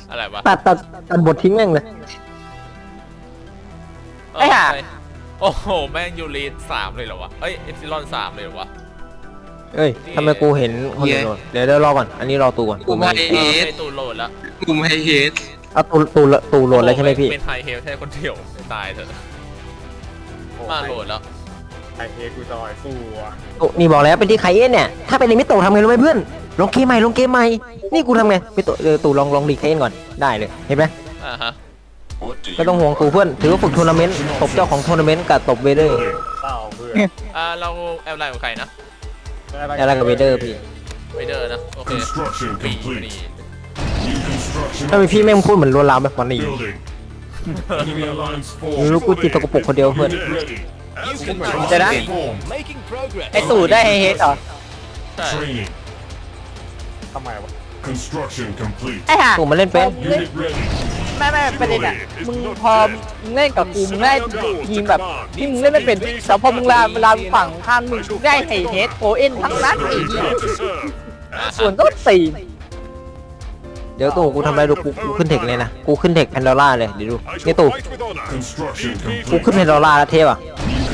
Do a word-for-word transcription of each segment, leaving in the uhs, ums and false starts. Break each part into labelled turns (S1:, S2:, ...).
S1: อะไรวะ
S2: ตัดตัดตัดบททิ้งแม่งเลย
S1: ไอ้ห่าโอ้โหแม่งยูรีสามเลยเหรอวะเอ้ยเอฟซิลอนสามเลยเหรอวะ
S2: เอ้ยทำไมกูเห็นคนอื่นโดนเดี๋ยวเดี๋ยวรอก่อนอันนี้รอตูก่อน
S3: กูไม่เฮด
S1: ตูโหลดแล้ว
S3: กูไม่เฮด
S2: เอาตูตูตูโหลดแล้วใช่ไหมพี่
S1: เป็นไฮเฮลแค่คนเดียวตายเถอะมาโหลดแล้ว
S4: ไอเอกูจอยสู้อ่ะ
S2: ตูนี่บอกแล้วเป็นที่ไคเอ็นเนี่ยถ้าเป็นในมิโตะทำไงรู้ไหมเพื่อนลงเกมใหม่ลงเกมใหม่นี่กูทำไงมิโตะเออตูลองลองดีไคเอ็นก่อนได้เลยเห็นไหม
S1: อ่าฮะ
S2: ไม่ต้องห่วงตูเพื่อนถือว่าฝึกทัวร์นาเมนต์ตบเจ้าของทัวร์นาเมนต์กับตบเวเดอร์
S4: เต้าเพื่อน
S1: อ่าเราแอลไลน์ของใครนะ
S2: อะไรกับเวเดอร์พี่
S1: ไวเดอร์นะโอเคปีนี่
S2: ถ้าเป็นพี่แม่งพูดเหมือนลวนลามแบบวันนี้รู้กูจิตตกปรกคนเดียวเพื่อน
S5: เดี๋ยวนะไอตู่ได้เฮดเหรอ
S1: ใช่
S4: ทำไมวะ
S5: ไอห่า
S2: ตูมาเล่นเป็น
S5: ไม่ไม่ประเด็นอ่ะมึงพอมึงเล่นกับกูมึงได้ทีมแบบที่มึงเล่นไม่เป็นแต่พอมึงลาเวลาฝั่งข้ามมึงได้ไฮเฮดโอเอ็นทั้งนั้นไอ้เหี้ยส่วนต้นตี
S2: เดี๋ยวตูกูทำอะไรดูกูกูขึ้นเทคเลยนะกูขึ้นเทคแพนดอร่าเลยเดี๋ยวดูนี่ตูกูขึ้นแพนดอร่าแล้วเทปอ่ะ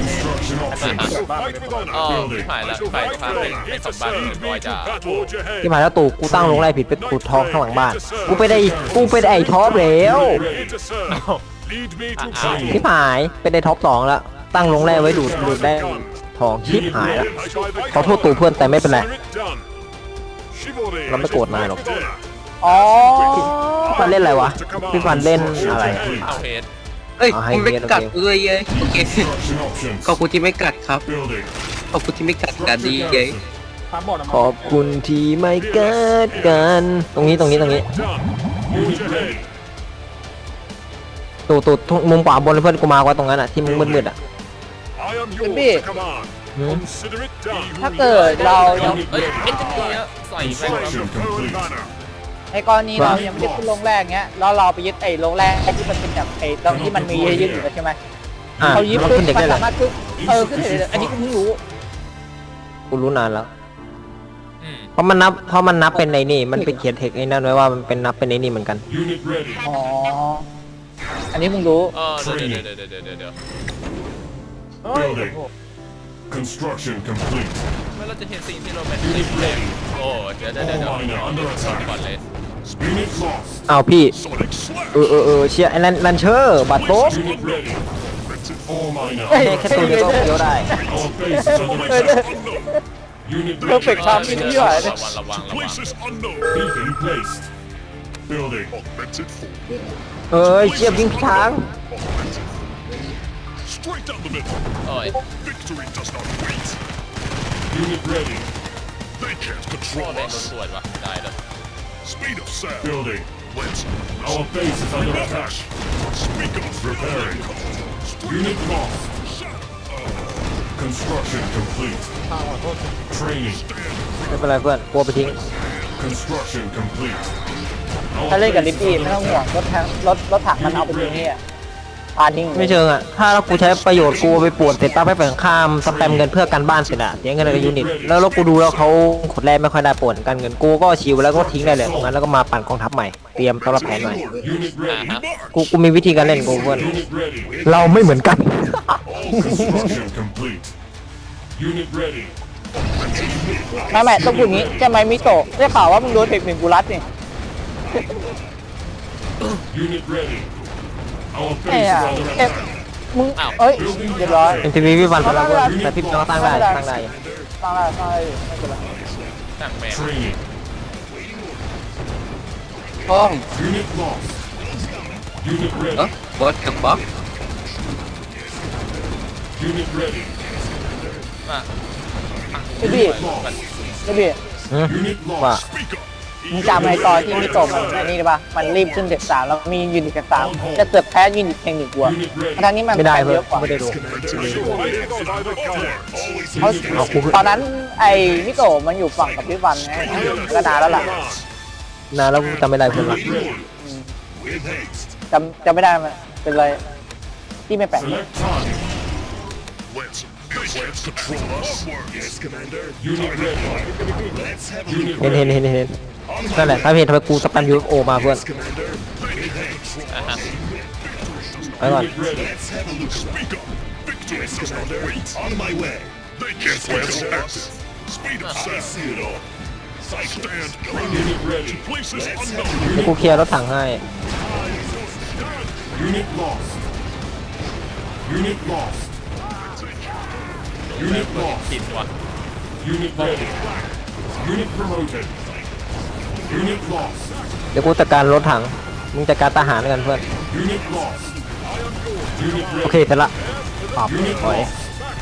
S1: อ๋อถ่ายแล้วถ่ายภาพเป็นเป็นสมบัติเรียบร้อยจ้า
S2: ที่มาแล้วตู่กูตั้งลงไล่ผิดเป็นกูท้องข้างหลังบ้านกูไปได้กูไปได้ไอ้ท็อปแล้วชิบหายเป็นไอ้ท็อปสองแล้วตั้งลงไล่ไว้ดูดดูดได้ทองชิบหายแล้วขอโทษตู่เพื่อนแต่ไม่เป็นไรเราไม่โกรธนายหรอก
S5: อ๋อ
S2: พี่ฟันเล่นอะไรวะพี่ฟันเล่นอะไร
S1: เอาเฮด
S3: เอ้ยมึงไม่กัดกูด้วยเย้โอเคขอบคุณที่ไม่กัดครับขอบคุณที่ไม่กัดกันดีเย้
S4: พาบอล
S2: ขอบคุณที่ไม่เกิดกันตรงนี้ตรงนี้ตรงนี้ตู่ตู่มุมขวาบนเพื่อนกูมากว่าตรงนั้นอ่ะที่มึงมืดๆอ่ะ
S5: เป็นพี่ถ้าเกิดเรายัง
S1: เอ้ยเอ็นจิเนียร์ใส่แม่งแล้ว
S5: ในกรณีเรายังไม่ได้ขึ้นโรงแรกเงี้ยแล้วเราไปยึดไอ้โรงแรกที่มันเป็นแบบไอ้ตรงที่มันมียึดอยู่แล้วใช่ไหม
S2: อ่ะ
S5: เขายึด
S2: มัน
S5: ปุ๊บ
S2: ขึ้นเด็ก
S5: มั
S2: ได้
S5: น
S2: เลย
S5: สามารถขึ้นเออขึ้นเด็กอันนี้กูเพิ่งรู้
S2: กูรู้นานแล้ว
S1: อืม
S2: เพราะมันนับเพราะมันนับเป็นในนี่มันเป็นเขียนเทคไอ้นั่นไว้ว่ามันเป็นนับเป็นในนี่เหมือนกัน
S5: อ๋ออันนี้มึงรู้
S1: เออเดี๋ยวเดี๋ยวเดี๋ยวเดี๋ยวเดี๋ยวเดี๋ยว
S6: Construction complete.
S1: ไม่เราจะเห็นสิ่งที่เราเป็นติดเพลงโอ้เดี๋ยวเดี๋ยวเดี๋ยวเดี๋ยวก่อนเลย
S6: Unit lost.
S2: เอาพี่เออเออเออเชียร์ไอ้ลันลันเชอร์บัตรโต๊ะ
S6: Unit ready. All miner.
S2: แค่ตัวเดียวก็เดียวได้
S6: Our base is under attack. Unit
S5: เพอร์เฟกต์ทำที่นี่หายเลย
S1: ระวังระวังระวัง
S6: beacon placed. Building.
S2: เอ้ยเชียร์ยิงทาง
S6: Straight down the middle.
S1: โอ้ย
S6: Victory does not wait. Unit ready. They can't
S1: โอ้
S6: control
S1: แม่งโดน
S6: us.
S1: สวดว่ะได้เลย
S6: Speed of sound. Building. Let's. Our base is under attack. Speak up. Repairing. Unit lost. Construction complete. Training.
S2: ไม่เป็นไรเพื่อนกลัวไปทิ้ง
S6: Construction complete.
S5: ถ้าเล่นกับลิปปี้ไม่ต้องห่วงรถแทงรถรถถังมันเอาไปทิ้งนี่อ่ะพาทิ้ง
S2: ไม่เชิงอ่ะถ้ากูใช้ประโยชน์กูไปปวดเสร็จปั๊บไปฝั่งข้ามสแปมเงินเพื่อการบ้านเสร็จอะเสียเงินในยูนิตแล้วแล้วกูดูแล้วเขาขดแรกไม่ค่อยได้ปวดการเงินกูก็ชิวแล้วก็ทิ้งได้เลยตรงนั้นแล้วก็มาปั่นกองทัพใหม่เตรียมสำหรับแผนใหม่
S6: Unit
S1: อ่า
S6: ready.
S1: ฮะ
S2: กูกูมีวิธีการเล่นกูเพื่อน
S6: Unit ready.
S2: เราไม่เหมือนกัน
S6: Construction complete. Unit ready.
S5: ไม่ไม่ต้องพูดงี้ใช่ไหมมิโตะได้ข่าวว่ามึงโดนเทคหนึ่งกูรัดนี่
S6: Unit ready. Our
S5: ไอ้
S6: base
S5: อะ
S6: is under
S5: เอ๊ะ
S6: attack.
S5: มึงเอ้ยเรียบร้อย
S2: เอ็มทีวีพี่วันไปแล้วเพื่อนแต่พี่ต้องตั้งได้ตั้งได้
S5: ตั้งได้ตั้งได้ไม่เป็นไร
S1: สั่งแม่ง
S6: Training.
S3: ห้อง
S6: Unit lost. Unit
S3: เอ้อ
S6: ready.
S3: บอสกับบ๊อบ
S6: Unit ready.
S1: มา
S5: พี่พี่พี่พี่
S2: หืม
S6: Unit
S2: ว่า
S6: lost. Speak up.
S5: มึงจำไอ้ตอนที่มิโตะมันไอ้นี่ได้ปะมันรีบขึ้นเทคสามแล้วมียูนิตเทคสามจะเกือบแพ้ยูนิตเทคหนึ่งกว่า
S6: Unit ready.
S5: ทางนี้มัน
S2: ไม่ได้
S5: แพ้
S2: เพื่
S5: เย
S2: อน
S5: อะกว่า
S2: ไม่ได้ดู
S5: เขา
S2: เอากู
S5: ตอนนั้นไอ้มิโตะมันอยู่ฝั่งกับพี่วันไงก็นานแล้วล่ะ
S2: นานแล้วกูจำไม่ได้เพื่อนละ
S6: With haste.
S5: จำจำไม่ได้มันเป็นไรที่ไม่แปลก
S6: Select time. Let's. Let's control us. Yes, Commander. Unit ready. Let's have. Unit
S2: เห็นเห็น
S6: ready.
S2: เห็นเห็น
S6: Our
S2: นั่นแหละถ้าเพจทำไมกูสแปม ยู เอฟ โอ มาเพื่อน
S6: Commander. Many thanks.
S1: อ่ะฮะ
S2: ไปก่อน
S6: Unit ready. Let's have a look. Speak up. Victory, Commander. Wait. On my way. They can't wait to act. Speed up, I see it all. Stand. Unit ready. Places unknown.
S2: เดี๋ยวกูเคลียร์รถถังให้
S6: Unit lost. Unit lost. Unit lost.
S1: ติดวะ
S6: Unit ready. Unit promoted. Unit lost.
S2: เดี๋ยวกูจัดการรถถังมึงจัดการทหารกันเพื่อน
S6: Unit lost. Unit
S2: โอ
S6: ready.
S2: เคเสร็จละปรับ
S6: Unit
S2: ถอย
S6: lost.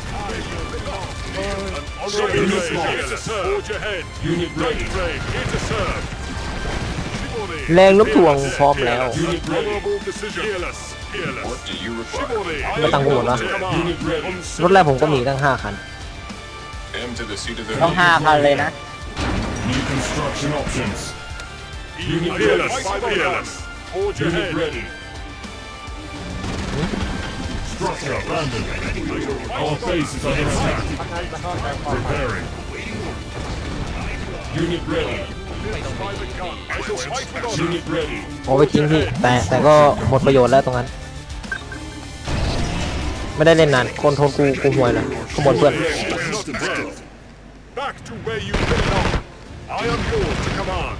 S6: Unit lost. Forge ahead. Unit ready. Here to serve.
S2: แรงลบถ่วงพร้อมแล้ว
S6: Unit ready. Fearless. Fearless. What do you require?
S2: ไม่ตั้งกูหมดวะ
S6: Unit ready.
S2: รถแรกผมก็มีตั้งห้าคัน
S6: M to the seat of the
S5: ต้องห้าพันเลยนะ
S6: New construction options. Unit fearless. Fearless. Forge Unit ready. Structure abandoned. Our base is under attack. Preparing. Unit ready. Unit ready.
S2: โอ้ไปทิ้งพี่แต่แต่ก็หมดประโยชน์แล้วตรงนั้น ไม่ได้เล่นนานคนโทนกูกูห่วยเลยขบวนเพื่อน
S6: Back to where you belong. I am yours to command.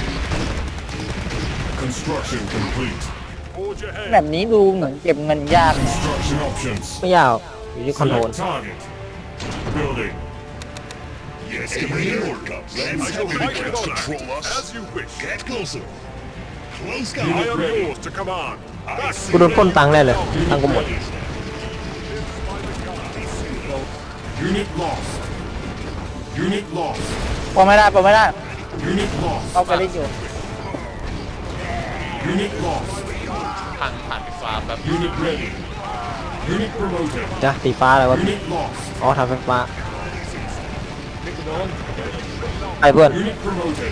S6: Construction complete. Forge
S5: แบ
S6: ahead.
S5: บนี้ดูเหมือนเก็บเงินยากนะ
S6: Construction options.
S2: ไม่ยากอยู่ที่คอนโทรล
S6: Select target. Building. Yes, Commander. I shall fight with honor. As you wish. Get closer. Close down. I am yours to command.
S2: กูโดนปล้นตังค์ได้เลยตังค์กูหมด
S6: Unit lost. Unit lost.
S5: พอไม่ได้พอไม่ได้
S6: Unit lost.
S5: เอาไปเล่นอยู่
S6: Unit lost.
S1: ทางผ่านไฟฟ้าแบบ
S6: Unit ready. Unit promoted.
S2: จ้ะสีฟ้าอะไรวะ
S6: Unit lost.
S2: อ๋อทำไฟฟ้าไปเพื่อน
S6: Unit promoted.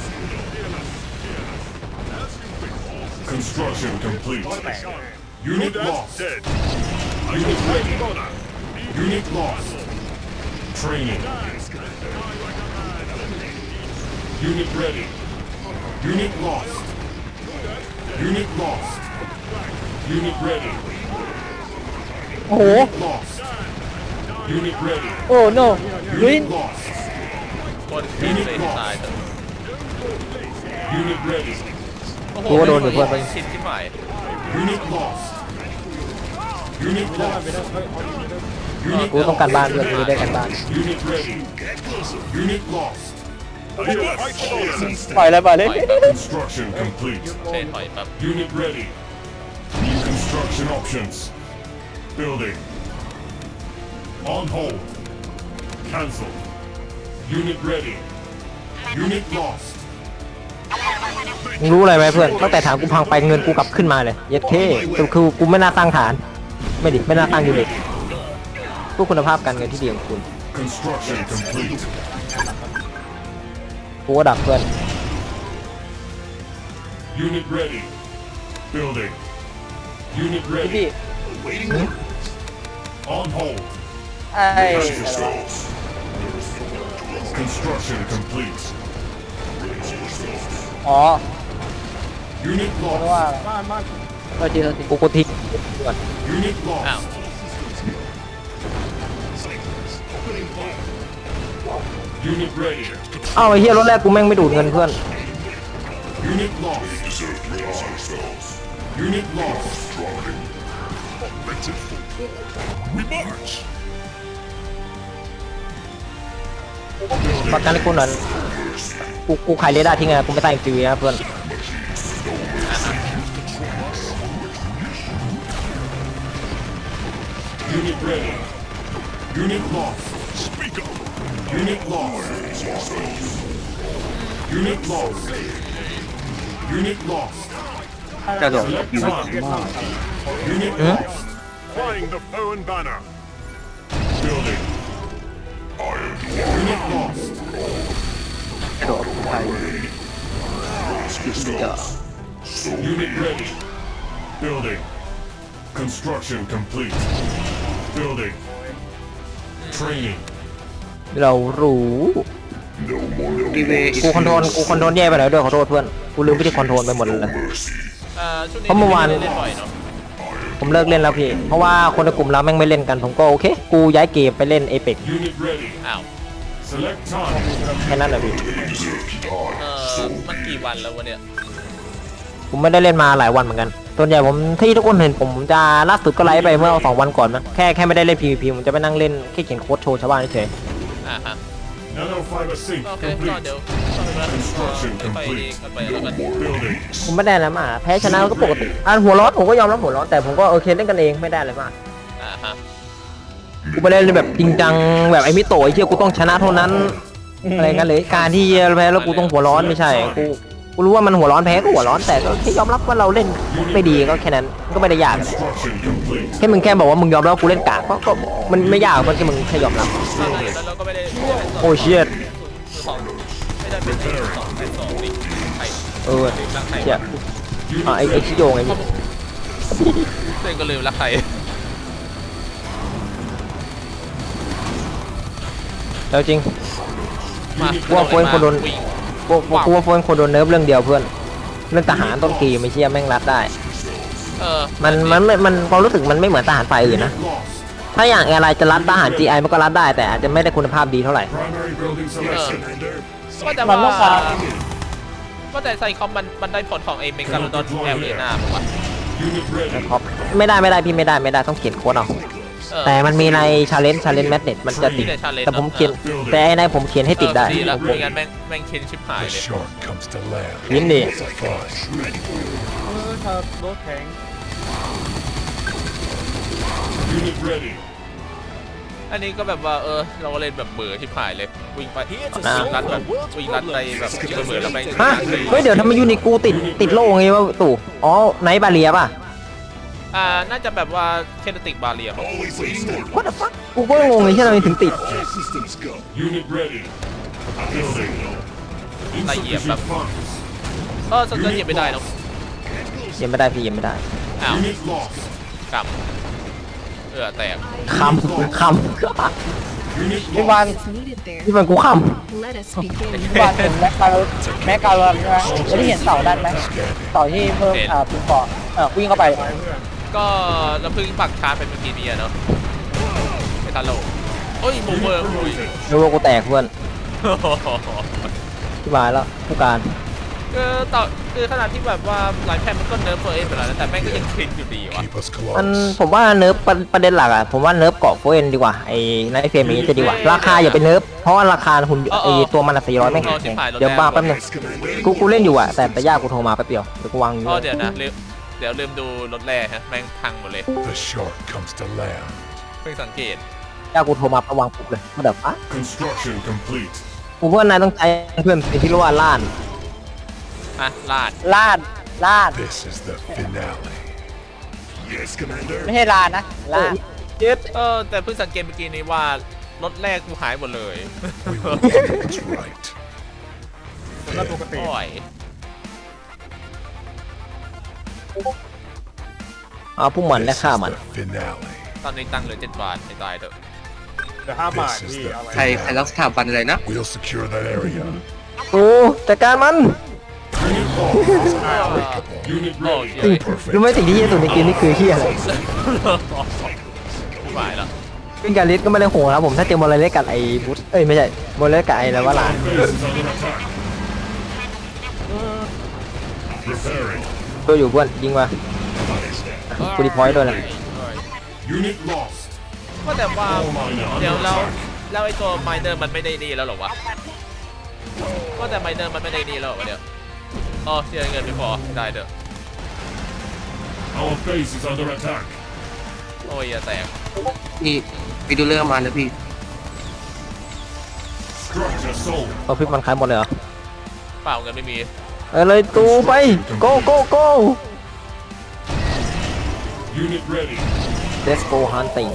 S6: Construction complete. Unit lost. Unit ready. Unit lost. Training. Unit ready. Unit lost. Unit lost. Unit ready.
S5: โอ้โห
S6: Lost. Unit ready.
S5: โอ้โนลุย
S6: Unit lost.
S1: คนที่เลยที่ตายแต่
S6: Unit ready.
S1: โอ้โห
S2: กูก็โดนอยู่เพื่อน
S1: ชิดที่หมาย
S6: Unit lost. Unit lost.
S2: กูต้องการบ้านเพื่อนกูได้การบ้าน
S6: Unit ready. Unit lost.
S5: ปล่อยเลยปล่อยเลย
S6: Construction complete.
S1: เช่นถอยแบบ
S6: Unit ready. New construction options. Building. On hold. Cancel. Unit ready. Unit lost.
S2: มึงรู้อะไรไหมเพื่อนตั้งแต่ฐานกูพังไปเงินกูกลับขึ้นมาเลยเย็ดเท่คือคือกูไม่น่าตั้งฐาน ไม่ดิไม่น่าตั้งยูนิตพวกคุณภาพการเงินที่ดีของคุณ
S6: Construction complete.
S2: กูก็ดับเพื่อน
S6: Unit ready. Building. Unit
S5: พี่
S6: ready. On hold.
S5: ไอ้
S6: Construction complete.
S5: อ๋อ
S6: Unit
S5: เพราะ
S6: lost.
S5: ว่า
S4: บ้านบ้าน
S5: โทษทีโทษที
S2: กูกูทิ้งก่อน
S6: Unit
S1: อ้าว
S6: lost. Unit ready.
S2: อ้าวไอ้เหี้ยรถแรกกูแม่งไม่ดูดเงินเพื่อน
S6: Unit lost. Unit lost. We march.
S2: ประกันให้กูหน่อยกูกูขายเรดาร์ทิ้งไงกูไม่ตั้งอีกทีวีนะเพื่อน
S6: Unit ready. Unit lost. Speak up. Unit lost. Unit lost. Unit lost.
S3: กระโดด
S6: Select target. Unit lost. Flying the foreign banner. Building. Unit lost.
S3: กระโดดไป
S6: Unit ready. Building. Construction complete. Building. Training.
S2: เรารู้
S3: อีเว
S2: กูคอนโทรลกูคอนโทรลแย่ไปหน่อยด้วยขอโทษเพื่อนกูลืมวิธีคอนโทรลไปหมดเลย
S1: เอ่อช่วงนี้
S2: เพราะเมื่อวาน
S1: ไได้เล่นบ่อยเนาะ
S2: ผมเลิกเล่นแล้วพี่เพราะว่าคนในกลุ่มเราแม่งไม่เล่นกันผมก็โอเคกูย้ายเกมไปเล่นเอเปก
S6: Unit ready.
S1: อ้าว
S6: Select time.
S2: แค่นั้นแหละพี่
S1: เออมันกี่วันแล้ววะเนี่ย
S2: ผมไม่ได้เล่นมาหลายวันเหมือนกันส่วนใหญ่ผมที่ทุกคนเห็นผมจะล่าสุดก็ไลฟ์ไปเมื่อสองวันก่อนนะแค่แค่ไม่ได้เล่น พี วี พี ผมจะไปนั่งเล่นแค่เขียนโค้ดโชว์ชาวบ้านเฉย
S1: อ่าฮะ
S6: Nanofiber sync
S1: โอเคก็
S6: complete.
S1: เดี๋ยวต้องไปแล้วไปกันไปแล้วกัน
S6: Building.
S2: ผมไม่ได้อะไรมากแพ้ชนะก็ปกติอ่ะหัวร้อนผมก็ยอมรับหัวร้อนแต่ผมก็โอเคเล่นกันเองไม่ได้อะไรมาก
S1: อ่าฮะ
S2: กูไม่ได้เล่นแบบจริงจังแบบไอ้มิโตะไอ้เชี่ยกูต้องชนะเท่านั้นอะไรกันเลยการที่แพ้แล้วกูต้องหัวร้อนไม่ใช่กูกูรู้ว่ามันหัวร้อนแพ้ก็หัวร้อนแต่ก็แค่ยอมรับว่าเราเล่นไม่ดีก็แค่นั้นก็ไม่ได้ยากอะไร
S6: Construction complete.
S2: แค่มึงแค่บอกว่ามึงยอมรับว่ากูเล่นกากก็ก็มันไม่ยากมันแค่มึงแค่ยอมรับ
S1: แล้วเราก็ไม่ได้ไม่ได้เป็นสอง
S2: โอ้เชีย
S1: สองไม่ได้เป็นสองเป็นสองนี่ใคร
S2: เออ
S1: ลืมรักใคร
S2: เชี่ยอ่ะไอ้ไอ้ชิโยงไอ้นี่
S1: เล่นก็ลืมรักใคร
S2: แล้วจริง
S1: มา
S2: ว่าโฟนคนโดน
S1: วิ่ง
S2: กูกูว่าโฟนคนโดนเนิร์ฟเรื่องเดียวเพื่อนเรื่องทหารต้นกีไม่เชี่ยแม่งรัดได้
S1: เออ
S2: มันมันมันมันความรู้สึกมันไม่เหมือนทหารฝ่ายอื่นนะ
S6: Lost.
S2: ถ้าอย่างอะไรจะรัดทหาร จี ไอ มันก็รัดได้แต่อาจจะไม่ได้คุณภาพดีเท่าไหร่
S6: Primary building selection. Commander.
S1: ก็แต่
S5: มั
S1: ว่าน
S5: ต้องการ
S1: ก็แต่ไซคอมมันมันได้ผลของไอ้เมกาโลดอนแอลเลน่าป่ะวะ
S6: Unit ready.
S2: ครับไม่ได้ไม่ได้พี่ไม่ได้ไม่ได้ต้องเขียนโค้ดเอา
S1: เออ
S2: แต่มันมีในชาเลนจ์ชาเลนจ์แมทเน็ตมันจะติด
S1: มีใน challenge
S2: แต่ผมเขียนแต่ไอ้ในผมเขียนให้ติดได้
S1: เออดีแล้วไม่งั้นแม่งแม่งเค้นชิบหาย
S6: The
S1: เลย
S6: shark comes to land.
S2: ยินดี
S6: Fine.
S4: เออถ้ารถแข็ง
S6: Unit ready.
S1: อันนี้ก็แบบว่าเออเราก็เล่นแบบเบื่อชิบหายเลยวิ่งไปวิ่ง
S2: อ่า
S1: รัดแบบวิ่งรัดไปแบบชิบเบื่อแล้วแม่ง
S2: ฮะเฮ้ยเดี๋ยวทำไมยูนิคกูติดติดโล่ไงวะตู่อ๋อไนท์บาเรียป่ะ
S1: อ่าน่าจะแบบว่าเคเนติกบาเรีย
S6: Always in order.
S2: What the fuck กูก็งงเลยที่ทำไมถึงติด
S6: All systems go. Unit ready. Building.
S1: Insufficient
S6: funds.
S1: เออสเกิร์ตเหยียบไม่ได้เนอะ
S2: ยังไม่ได้พี่ยังไม่ได้
S1: อ้าว
S6: Unit lost.
S1: กำเออแตก
S2: คำค
S6: Unit
S5: พี่วัน
S6: lost.
S7: needed there.
S2: ำที่มันกูค
S7: Let us begin.
S5: พี่วันเห็นแม็กกาแม็กกาลอนใช่ไหมจะได้เห็นเสาด้านไหมเสาที่เพิ่มอ่าปุ่มเกาะเออวิ่งเข้าไป
S1: ก็เราเพิ่งปักชาร์จเป็นเมื่อกี้นี้อะเนาะไม่ทันโลกโอ้ยโมเวอร์อุ้ย
S2: ำรู้ว่ากูแตกเพื่อนที่มาแล้วผู้การ
S1: คือต่อคือขนาดที่แบบว่าหลายแพนมันก็เนิร์ฟเฟอร์เอ็นไปแล้วนะแต่แม่งก็ยังคลินอยู่ดีวะ
S6: Keep us
S2: มัน
S6: close.
S2: ผมว่าเนิร์ฟประประเด็นหลักอ่ะผมว่าเนิร์ฟเกาะโฟเอนดีกว่าไอ้ไนท์เฟรมนี้จะดีกว่า ราคาอย่าไปเนิร์ฟเพราะว่าราคาหุ่นไอ้ตัวมันสี่ร้อยแม่งแพงเดี๋ยวบ้าแป๊บนึงกูกูเล่นอยู่อ่ะแต่แต่ยากกูโทรมาแป๊บเดียวเดี๋ยวกูวางอยู่
S1: อ๋อเดี๋ยวนะลืมเดี๋ยวลืมดูรถแร่ฮะแม่งพังหมดเลย
S6: The shark comes to land.
S1: เพิ่งสังเกต
S2: ยากกูโทรมาประวางปุ๊บเลยมาเดี๋ยวอ่ะ
S6: Construction complete.
S2: กูว่านายต้องใจเพื่อนเป็นที่เรียกว่าล้าน
S1: ฮะลาด
S5: ลาดลาด
S6: This is the finale. Yes, Commander.
S5: ไม่ใช่ลาดนะลาด
S2: ยึด
S1: เออแต่เพิ่งสังเกตเมื่อกี้นี้ว่ารถแรกกูหายหมดเลย
S6: We will do what's right.
S4: แล้วปกติ
S1: โอ้ย
S2: เอาผู้มันและ
S6: This
S2: ฆ่า
S6: is
S2: มัน
S6: the finale.
S1: ตอนนี้ตังค์เหลือเจ็ดบาทไม่ตายเถอะ
S4: เดี๋ยวห้าบาท
S6: This is
S4: พี่
S6: the
S4: เอาไว้
S3: ใครใครรักสถาบันอะไรนะ
S6: We'll secure that area.
S2: กูจัดการมัน
S6: Unit lost. Unit
S1: โอ้ย
S6: ready.
S2: สิ่งรู้ไหมสิ่งที่เฮียสุดในเกมนี่คือเฮียอะไร
S1: ไม่ไหวแล้ว
S2: เป็นการลิสก็ไม่ได้โหดครับผมถ้าเจอโมเลเลสกับไอ้บุสเอ้ยไม่ใช่โมเลเลสกับไอ้แล้วว่าหลาน
S6: Base is under attack. Preparing.
S2: ตัวอยู่เพื่อนยิงมากูดีพอยต์ด้วยนะ
S6: Unit lost.
S1: ว่าแต่ว่า
S6: All miner
S1: เดี๋ยว
S6: under
S1: เรา
S6: attack.
S1: แล้วไอ้ตัวไมเนอร์มันไม่ได้ดีแล้วเหรอวะว่าแต่ไมเนอร์มันไม่ได้ดีแล้วเหรอวะเดี๋ยวอ๋อเสียเงินไม่พอได้เด้อ
S6: Our base is under attack.
S1: โอ้ยอย่าแตก
S3: นี่ไปดูเรื่องมาแล้วพี่
S6: Structure sold.
S2: เอาพริกมันขายหมดเลยเหรอ
S1: เปล่าเงินไม่มี
S2: เออเลยตูไป go go go
S6: Unit ready.
S2: let's go hunting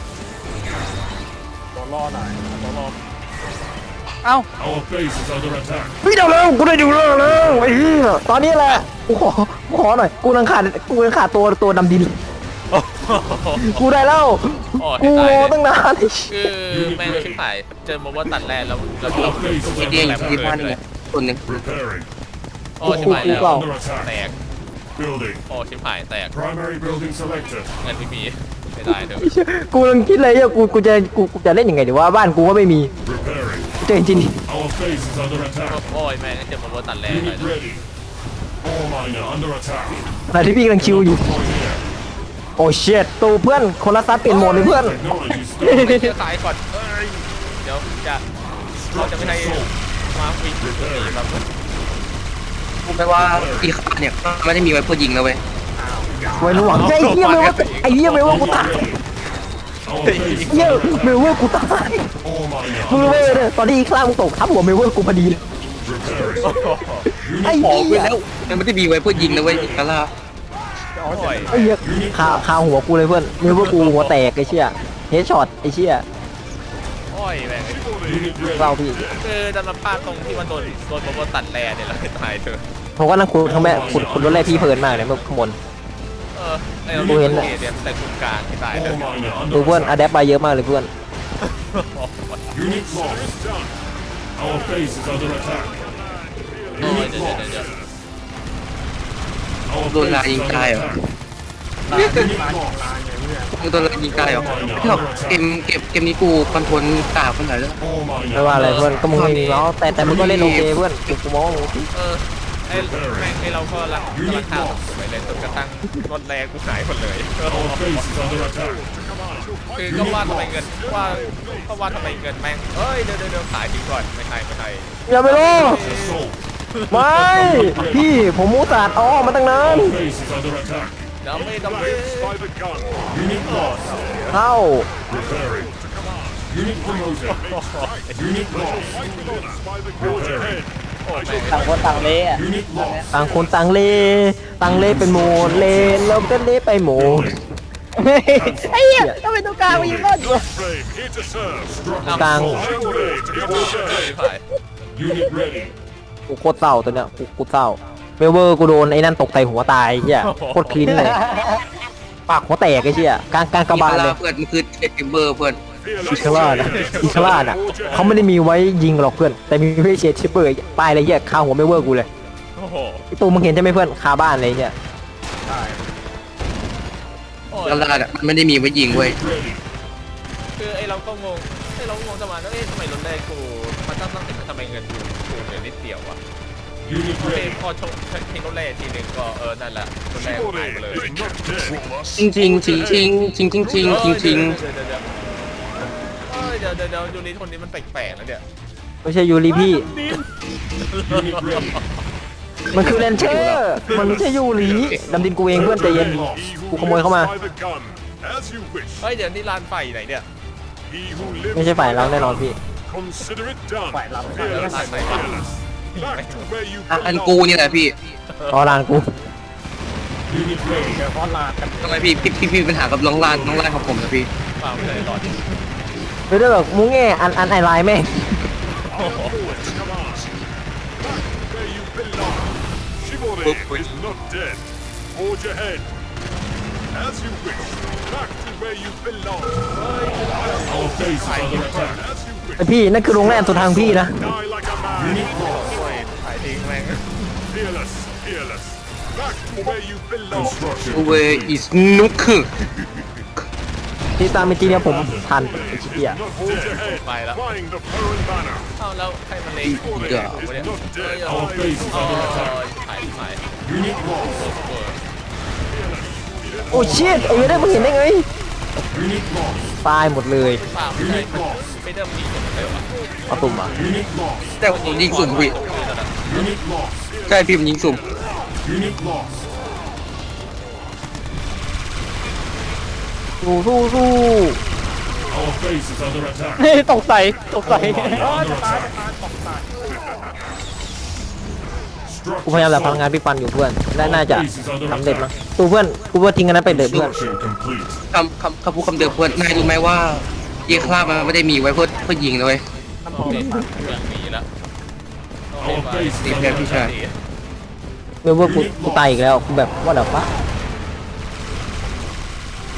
S4: ตัวรอหน่อยตัวรอ
S5: เอ้า
S6: Our base is under attack.
S2: พี่เดี๋ยวเร็วกูได้อยู่แล้วเร็วไอ้เหี้ยตอนนี้แหละกูขอกูขอหน่อยกูนังขาดกูนังขาดตัวตัวดำดิน
S1: โอ้โห
S2: กูได้แล้ว
S1: โอ้ย
S2: กู
S1: ตายเลย
S2: ตั้งนานไอ้
S1: คือแม่งชิบหายเจอโมว่าตัดแรกแล้วแล้วเรา
S3: อีเดียอยู่ที่บ้านนี่คนหนึ่ง
S6: Repairing.
S1: โอ้ชิบหายแล้ว
S6: Under attack.
S1: แตก
S6: Building.
S1: โอ้ชิบหายแตก
S6: Primary building selected.
S1: เงินไม่มีไม่ได้เถอะ
S2: กูกำลังคิดเลยอ่ะกูกูจะกูกูจะเล่นยังไงดีว่าบ้านกูก็ไม่มี
S6: Repairing.
S2: เจอจริง
S6: Our base is under attack.
S1: โอ้ยแม่งเจอโมว่าตัดแรกเลย
S6: Unit ready. Ore miner under attack.
S2: ๆขณะที่พี่กำลังคิวอยู่ โอ้เชิดตูเพื่อนคนละซัดเปลี่ยนโหมดเลยเพื่อน
S6: Technology still.
S1: ไม่เชื่อขายก่อนเอ้ยเดี๋ยวจะเราจะไม่ให้มาวิ่งหนีแบบ
S3: กูแปลว่าอีคาเนี่ยไม่ได้มีไว้เพื่อยิงนะเว้ย
S2: ไว้หวังไอ้เหี้ยไม่ว่าไอ้เหี้ยไม่ว่ากูตาย
S6: Our base is
S2: เหี้ยไม่ว่ากูตาย
S6: ore miner
S2: มึงรู้
S6: under
S2: ไหม
S6: attack.
S2: เนี่ยตอนที่อีกข้างมึงตกทับหัวเมเวอร์กูพอดีเลย
S6: Repairing.
S2: ไอ้
S3: ขอ
S2: เหี้
S3: ไป
S2: ย
S3: แล้วมันไม่ได้มีไว้เพื่อยิงนะเว้ยอีคาร่า
S1: โอ้ย
S2: ไอ้เหี้ยคาคาหัวกูเลยเพื่อนเมเวอร์กูหัวแตกไอ้เชี่ยเฮดช็อตไอ้เชี่ย
S1: โอ้ยแม่ง
S6: Unit ready.
S2: เราพี่
S1: คือดันมาพลาดตรงที่มันโดนโดนโมว่าตัดแรกเนี่ยเราตายเถอะ
S2: ผมก็นั่งขุดทั้งแม่ขุดขุดรถแรกพี่เพลินมากเลยเมื่อข้างบน
S1: เออไอ้เรา
S2: กูเห็น
S1: เน
S2: น่ะ
S1: เนี่ยแต่คุณกลางที่ตายเถ
S6: Ore
S1: อะ
S6: miner
S2: ดู
S6: under
S2: เพื่อน
S6: attack.
S2: อะแดปไปเยอะมากเลยเพื่อน
S6: Unit lost. Our base is under attack.
S1: โอ้ย
S6: Unit
S1: เดี๋ยวเดี๋ยว
S6: lost.
S1: เดี๋ยว
S6: Our
S3: โดนลายยิงตายเหรอ
S6: Unit lost.
S3: มึงโดนลายยิงตายเหรอไม่หรอกเกมเกมเกมนี้กูคอนโทรลกากคนไหนแล้ว
S6: Ore miner
S2: ไม่ว่าอะไรเพื่อนก็มึงไม่มีเนาะแต่แต่มึงก็เล่นโอเคเพื่อนกูมองว่ามึง
S1: เออไอ้แม่งไอ้เราก็รักกำลังข้าวไปเลยจนกระทั่งรถแรงกูหายหมดเลย
S6: Our base is under attack.
S1: คือก็ว่าทำไมเงินว่าก็ว่าทำไมเงินแม่งเอ้ยเดี๋ยวเดี๋ยวเดี๋ยวขายทิ้งก่อนไม่ให้ไม่ให้
S2: อย่าไปโล
S6: Assault.
S2: ไม่พี่ผมมูสาดอ้อมาตั้งนาน
S6: Our base is under attack.
S1: เดี๋ยวไม่ต้องไม่
S6: by the gun. Unit lost.
S2: เข้า
S6: Repairing. Unit promoted. Unit lost. by the Repairing.
S1: โอ้แม่ง
S5: ต่างคนต่างเละอะ
S6: Unit lost.
S2: ต่างคนต่างเลต่างเลเป็นโหมดเลแล้วก็เลไปโหมด
S5: ไอ้เหี้ยทำไมตัวกลางมายิงรอดอยู่
S6: Frame here to serve.
S2: กลาง
S6: Iron blade here to serve.
S1: ขาย
S6: Unit ready.
S2: กูโคตรเศร้าตัวเนี้ยกูกูเศร้าเวเวอร์กูโดนไอ้นั่นตกใส่หัวตายเฮียโคตรคลิ้นเลยปากหัวแตกไอ้เชี่ยกลางกลางกระบาลเลย
S3: เพื่อนมันคือเอ็มเบอร์เพื่อน
S2: อิคาร่านะอิคาร่าน่ะเขาไม่ได้มีไว้ยิงหรอกเพื่อน แต่มีไว้เชดชิปเปอร์ป้ายอะไรเงี้ยคาหัวไม่เวอร์กูเลย
S1: โอ้โห
S2: ไอ้ตูมึงเห็นใช่ไหมเพื่อนคาบ้านเลยเนี่ย
S1: โอ้ย
S3: แล้วลาดอะมันไม่ได้มีไว้ยิงเว้ย
S6: Ready.
S1: คือไอ้เราก็งงไอ้เราก็งงจะมาแล้วเอ๊ะทำไมรถแรกกูมันต้องต้องทำไมเงินกูกูเหลือนิดเดียววะ
S6: Unit
S1: เอ้
S6: ready.
S1: พอชกทิ้งรถแรกทีหนึ่งก็เออนั่นแหละรถแรกหายไปเลย
S6: They can't control us.
S3: จริงจริงจริงจริงจริงจริงจริงจริงจริง
S1: เดี๋ยวเดี๋ยวเดี๋ยวเดี๋ยวยูริคนนี้มันแปลกๆแล้วเนี่ย
S2: ไม่ใช่ยูริพี่
S6: Unit ready.
S2: มันคือเลนเชอร์มันไม่ใช่ยูริดำดินกูเองเพื่อนใจเย็น กูขโมยเข้ามา
S6: By the gun. As you wish.
S1: เฮ้ยเดี๋ยวนี่ลานไฟไหนเนี่ย
S6: He who lives
S2: ไม่ใช่ฝ่ายเราแน่นอนพี่
S6: Consider it done.
S4: ฝ่ายเรา
S6: Fearless,
S1: ฝ่ายเรา
S6: fearless. Back to where you
S3: อ่ะอัน
S6: belong.
S3: กูนี่แหละพี่
S2: รอรานกู
S6: Unit ready.
S4: เดี๋ยวพอลาดกัน
S3: ทำไมพี่พี่พี่พี่มีปัญหากับน้องลานน้องลานของผมนะพี่
S1: เปล่าไม่เลยหลอด
S2: ไม่ได้แบบมุ้งแง่อันอันไอไลน์แม่ง
S6: Forward, command. Back where you belong. Chivalry is not dead. Forge ahead. As you wish. Back to where you belong. Our base is under attack. As you wish.
S2: ไอพี่นั่นคือโรงแรมสุดทางพี่นะ
S6: Die like a man. Unit lost.
S1: โอ้ยถ่ายทิ้งแม่ง
S6: Fearless, fearless. Back to where you belong. Construction.
S3: เวอิสนุกคือ
S2: ที่ตามจริงเนี่ยผมทันไอ้ชิเกีย
S6: Not dead.
S1: Bye lah.
S6: Flying the foreign banner.
S1: เอ้าแล้วใครมันเล็ง
S6: Chivalry
S1: เนี่ย
S6: is not dead.
S1: โอ้
S6: Our base is
S1: ย
S6: under attack.
S1: ถ่ายถ่าย
S6: Unit lost.
S2: โอ้ชิตไอ้เว้ยได้มึงเห็นได้ไง
S6: Unit lost.
S2: ตายหมดเลย
S1: เปล่าไม่ใช่ไม่เดิมดีกว่าเดิมอ่ะ
S2: เอาตุ่มอ่ะ
S6: Unit lost.
S3: แต่ผมยิงสุ่มพี่
S6: Unit lost.
S3: ใช่พี่ผมยิงสุ่ม
S6: Unit lost.
S2: สู้สู้สู้
S6: Our base is under attack.
S5: เฮ้ยตกใส่ตกใส่
S6: Under attack.
S2: กูพยายามแบบพลังงานพี่ปันอยู่เพื่อนและน่าจะสำเร็จมั้งตัวเพื่อนกูว่าทิ้งกันนั้นไปเลยเพื่อน
S6: Construction complete.
S3: คำคำคำพูดคำเดิมเพื่อนนายรู้ไหมว่าเยคลาบมันไม่ได้มีไว้เพื่อเพื่อยิงนะเว้ย
S1: โอเคอย่างนี้แล้ว
S6: Our base
S3: ดี
S6: is
S3: แพ้
S6: under
S3: พี่ชาย
S6: attack.
S2: เมื่อว่ากูกูตายอีกแล้วกูแบบว่าเดี๋ยวปะ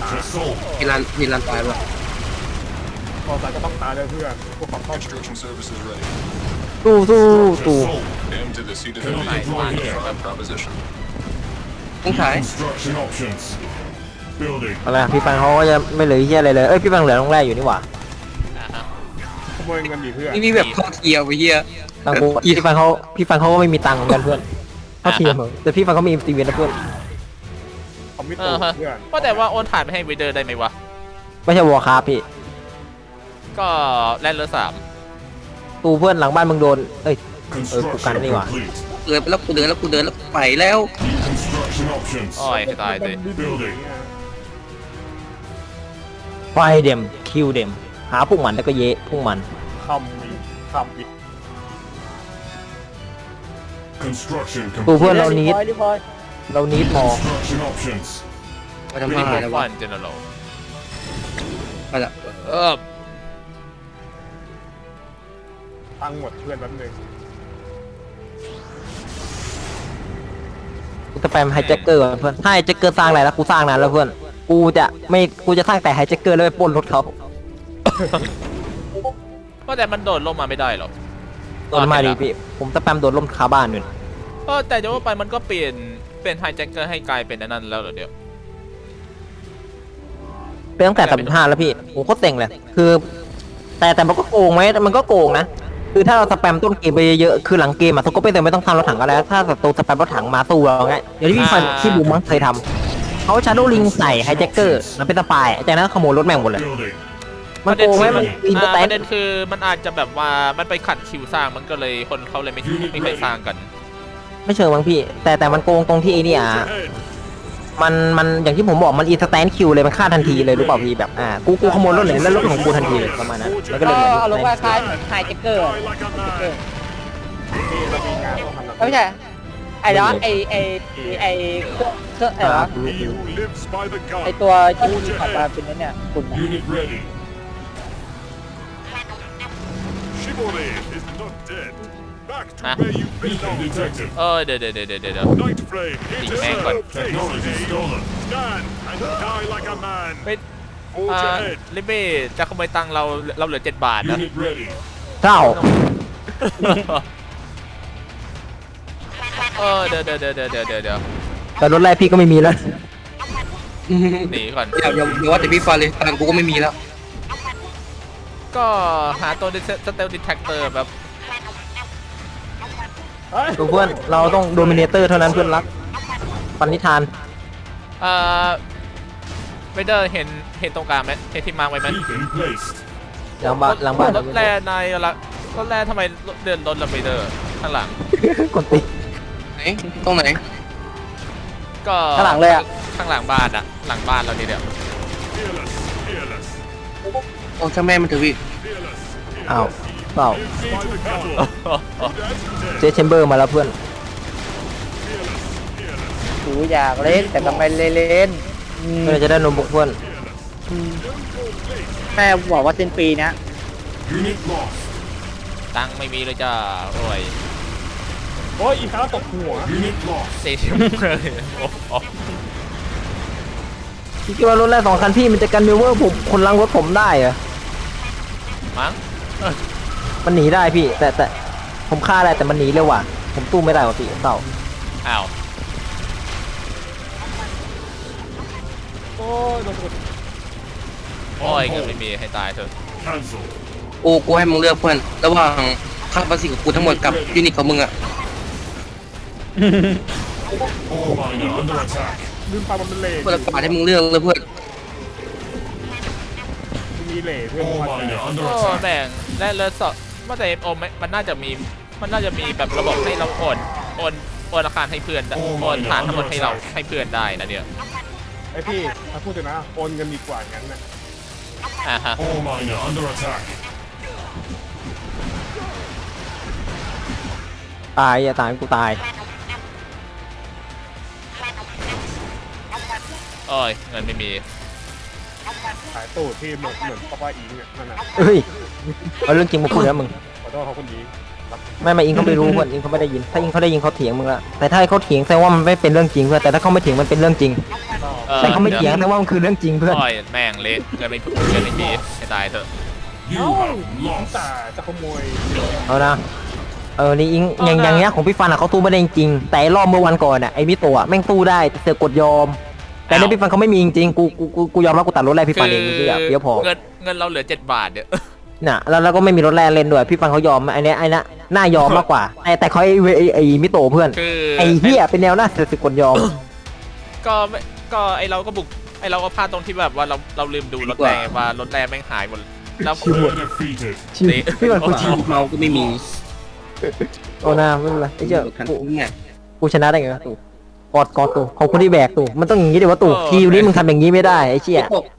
S6: Assault.
S3: มีรันมีรันตายป่ะ
S4: พอตายก็ต้องตายเลยเพื่อนพวกของต้อง
S6: Construction services ready.
S2: สู้สู้ตู้
S6: M to the seat of
S1: Building
S6: the
S1: deployed.
S6: that proposition.
S3: ต้องขาย
S6: Construction options. Building.
S2: อะไรอะพี่ฟังเขาก็จะไม่เหลือเฮียอะไรเลยเอ้ยพี่ฟังเหลือลงแรกอยู่นี่หว่า
S1: อ่าฮะ
S4: ขโมยเงินดิเพื่อน
S3: นี่มีแบบเข้าเทียร์ไปเฮีย
S2: ตังกูพี่ฟังเขาพี่ฟังเขาก็ไม่มีตังค์เหมือนกันเพื่อนเขาเทียมเหรอแต่พี่ฟังเขามีตีเวนนะเพื่อน
S4: คอมมิต
S1: เอ
S4: โต้
S1: อฮะ
S4: เพื่อน
S1: ว่าแต่ว่าโอนผ่านไปให้วีเดอร์ได้ไหมวะ
S2: ไม่ใช่วอร์คราฟพี่
S1: ก็แลนด์เลอร์สาม
S2: ตูเพื่อนหลังบ้านมึงโดนเอ้ย
S6: Construction
S2: cắn đi vào.
S6: complete.
S3: เดินไปแล้วกูเดินแล้วกูเดินแล้วไปแล้ว
S6: Construction options.
S1: โอ้ยให้ตายสิ
S6: Building.
S2: ไฟเดมคิวเดมหาพวกมันแล้วก็เยะพวกมัน
S4: คำมีคำมี
S6: Construction
S2: ตู
S6: complete.
S2: เพื่อนเรานิด
S5: รีพอย
S2: เรานิดมอ
S6: Construction options.
S3: มาทำไม
S1: รี
S3: ไหน
S1: โมท
S3: แล้ว
S1: ฟั
S3: วะ
S1: นเจเนอเรล
S3: มาละ
S1: เออ
S4: ตังค์หมดเพื่อนแป๊บนึง
S2: กูจะแปมไฮแจ็คเกอร์ก่อนเพื่อนถ้าไฮแจ็คเกอร์สร้างอะไรแล้วกูสร้างนานแล้วเพื่อนกูจะไม่กูจะสร้างแต่ไฮแจ็คเกอร์แล้วไปปล้นรถเขา
S1: ว่าแต่มันโดดลงมาไม่ได้หรอก
S2: โดนมาดีพี่ผมจะแปมโดนล่มคาบ้านอยู่
S1: เออแต่จะว่าไปมันก็เปลี่ยนเป็นไฮแจ็คเกอร์ให้กลายเป็นอันนั้นแล้วเหรอเดี๋ยว
S2: เป็นตั้งแต่สามสิบห้าแล้วพี่ผมโคตรเต็งเลย คือ แต่แต่มันก็โกงไหมมันก็โกงนะ คือถ้าเราสแปมต้นเกมไปเยอะๆคือหลังเกมอะทุกก็ไม่เต็มไม่ต้องทำรถถังก็แล้วถ้าศัตรูสแปมรถถังมาสู้เราไงอย่างที่พี่ฟันที่บูมมั้งเคยทำเขาชาร์โดลิงใส่ไฮแจ็คเกอร์แล้วเป็นสปายจากนั้นขโมยรถแม่งหมดเลย
S6: Building.
S2: มันโกงไหมมันอินเตอร์
S1: อ่า
S2: แต
S1: ป
S2: น
S1: ระเด็นคือมันอาจจะแบบว่ามันไปขัดคิวสร้างมันก็เลยคนเขาเลยไม่ไม่เคยสร้างกัน
S2: ไม่เชิงมั้งพี่ แต่แต่มันโกงตรงที่ไอ้นี่อ่ะ
S6: Ahead.
S2: มันมันอย่างที่ผมบอกมันอินสแตนคิวเลยมันฆ่าทันทีเลยรู้เปล่าพี่แบบอ่ากูกูขโมยรถเลยแล้วรถของกูทันทีเลยประมาณนั้นแล้วก็
S5: ก็
S2: เลยเหมือน
S5: เอาลงคล้ายๆเหมือนไฮเจ็คเกอร์
S6: Die like a man.
S4: นี่เรามีงานต้องทำแบบ
S5: ไม่ใช่ไอ้เนาะไอ้ไอ้ไอ้เครื่องเครื่องอะไรวะ
S6: He who lives by the
S5: ไอ้
S6: gun.
S5: ตัวที่ขับมาเป็นนั่นเนี่ยคุณน่ะ
S6: Unit ready. Chivalry is not dead. Back to
S1: Ah.
S6: where you belong. Detected.
S1: เออเดี๋ยวเดี๋ยวเดี๋ยวเดี๋ยวเดี๋ยว
S6: Night flame. Here to
S1: Big man
S6: serve.
S1: gun.
S6: Technology stolen. Stand and die like a man.
S1: ไม่
S6: Forge
S1: อ่า
S6: ahead.
S1: ลิเบ้จะขโมยตังค์เราเราเหลือเจ็ดบาทนะ
S6: Unit ready.
S2: เจ้า
S1: เออเดี๋ยวเดี๋ยวเดี๋ยวเดี๋ยวเดี๋ยวเดี๋ยวเดี๋ยว
S2: แต่รถแรกพี่ก็ไม่มีแล้ว
S1: หนีก่อน
S3: อย่าอย่าอย่าว่าแต่พี่ฟันเลยตังค์กูก็ไม่มีแล้ว
S1: ก็หาตัวสเตลดิเทคเตอร์แบบ
S4: เฮ้ย
S2: ดูเพื่อนเราต้องโดมิเนเตอร์เท่านั้นเพื่อนรักปันนิธาน
S1: เอ่อเวเดอร์เห็นเห็นตรงกลางไหมเห็นที่มาร์กไว้ไหม
S6: Beacon placed.
S2: หลังบ้านหลังบ้าน
S1: รถแร่ในละรถแร่ทำไมเดินรถละเวเดอร์ข้างหลัง
S2: คนตี
S3: ไหนตรงไหน
S1: ก็
S5: ข้างหลังเลยอะ
S1: ข้างหลังบ้านอะหลังบ้านเรานี่เดียว
S6: Fearless. Fearless.
S3: โอ้ช่างแม่มันเถอะพี่
S6: Fearless.
S2: อ้าวเปล่า
S6: Lives by the battle. Dead.
S2: เจเชมเบอร์มาแล้วเพื่อน
S6: Fearless. Fearless.
S5: กูอยากเล่นแต่ก็ไม่เล่นอืม
S2: เพื่อนจะได้นมบุกเพื่อน
S5: แม่บอกว่าสิ้นปีเนี้ย
S6: Unit lost.
S1: ตังค์ไม่มีเลยจ้าโอ้ย
S4: โอ้ยอีกครั้งตกหัว
S6: Unit lost.
S1: สี่สิบเลยโอ้โห
S2: พี่คิดว่ารถแรกสองคันพี่มันจะกันมิวเวอร์ผมคนลังรถผมได้เหรอ
S1: มั้ง
S2: มันหนีได้พี่ แต่แต่ผมฆ่าได้แต่มันหนีเร็วว่ะผมตู้ไม่ได้ว่ะพี่เต่า
S1: อ้าว
S4: โอ้ยโดนกด
S1: โอ้ยเงินไม่มีให้ตายเถอะ
S6: Cancel.
S3: กูกูให้มึงเลือกเพื่อนระหว่างค่าภาษีของกูทั้งหมดกับยูนิตของมึงอะ
S6: All miner under attack.
S4: ลืมไปมันเป็นเหล่
S3: เพื่อนละกว่าให้มึงเลือกเลยเพื่อน
S4: มีเหล่เพื่อน
S6: All
S4: มัน
S6: miner under
S1: โอ้
S6: attack.
S1: แบ่งและเลอสอบว่าแต่โอมมันน่าจะมีมันน่าจะมีแบบระบบให้เราโอนโอนโอนอาคารให้เพื่อนได้โอนฐานทั้งหมดให้เราให้เพื่อนได้นะเดี๋ยว
S4: ไอพี่ถ้าพูดถึงนะโอนเงินดีกว่างั้นนะ
S1: อ่าฮะ
S6: All miner under attack.
S2: ตายอย่าตายกูตาย
S1: โอ้ยเงินไม่มี
S4: ขายตู้ที่เหมือนเหมือนป้าป้าอิงเนี่ยนั่นน่ะ
S2: เฮ้ยเอาเรื่องจริงมาพูดแล้วมึง
S4: ขอโทษเขาคนดีครับ
S2: ไม่ไม่อิงเขาไม่รู้เพื่อนอิงเขาไม่ได้ยิน ถ้าอิงเขาได้ยินเขาเถียงมึงละแต่ถ้าเขาเถียงแสดงว่ามันไม่เป็นเรื่องจริงเพื่อนแต่ถ้าเขาไม่เถียงมันเป็นเรื่องจริง
S4: ก็
S1: เออ
S2: แต่เขาไม่เถียงแต่ว่ามันคือเรื่องจริงเพื่อน
S1: โอ้ยแม่งเละเกินไม่เกินไม่มีให้ตายเถอะ
S6: You have lost.
S4: แต่จะขโมย
S2: เอานะเออนี่อิงอย่างอย่างเงี้ยของพี่ฟันอะเขาตู้ไม่ได้จริงๆแต่ไอ้รอบเมื่อวันก่อนอะไอ้มิโตะแม่งตู้ได้แต่เสือกกดยอม แต่ในพี่ฟันเขาไม่มีจริงๆกูกูกูกูยอมรับกูตัดรถแรกพี่ฟันเองคือเดี๋ยวพอ
S1: เงินเงินเราเหลือเจ็ดบาทเนี่ย
S2: น่ะแล้วแล้วก็ไม่มีรถแรกเล่นด้วยพี่ฟันเขายอมไอ้เนี้ยไอ้น่ะน่ายอมมากกว่าแต่แต่เขาไอ้เวไอ้ไอ้มิโตะเพื่อน
S1: คือ
S2: ไอ้เหี้ยเป็นแนวหน้าเสือกกดยอม
S1: ก็ไม่ก็ไอเราก็บุกไอเราก็พลาดตรงที่แบบว่าเราเราลืมดูรถแรงว่ารถแรงแม่งหายหมดแล้ว
S6: Defeated.
S1: นี่
S2: พี่ฟันกูชิว
S3: เมาก็ไม่มี
S2: โอ้น่าไม่เป็นไรไอ้เจ้า
S3: คัน
S2: กู
S3: เนี่ย
S2: กูชนะได้ไงวะตู่กอดกอดตู่ขอบคุณที่แบกตู่มันต้องอย่างงี้ดิวะตู่ทีมนี้มึงทำอย่างงี้ไม่ได้ไอ้เชี่ย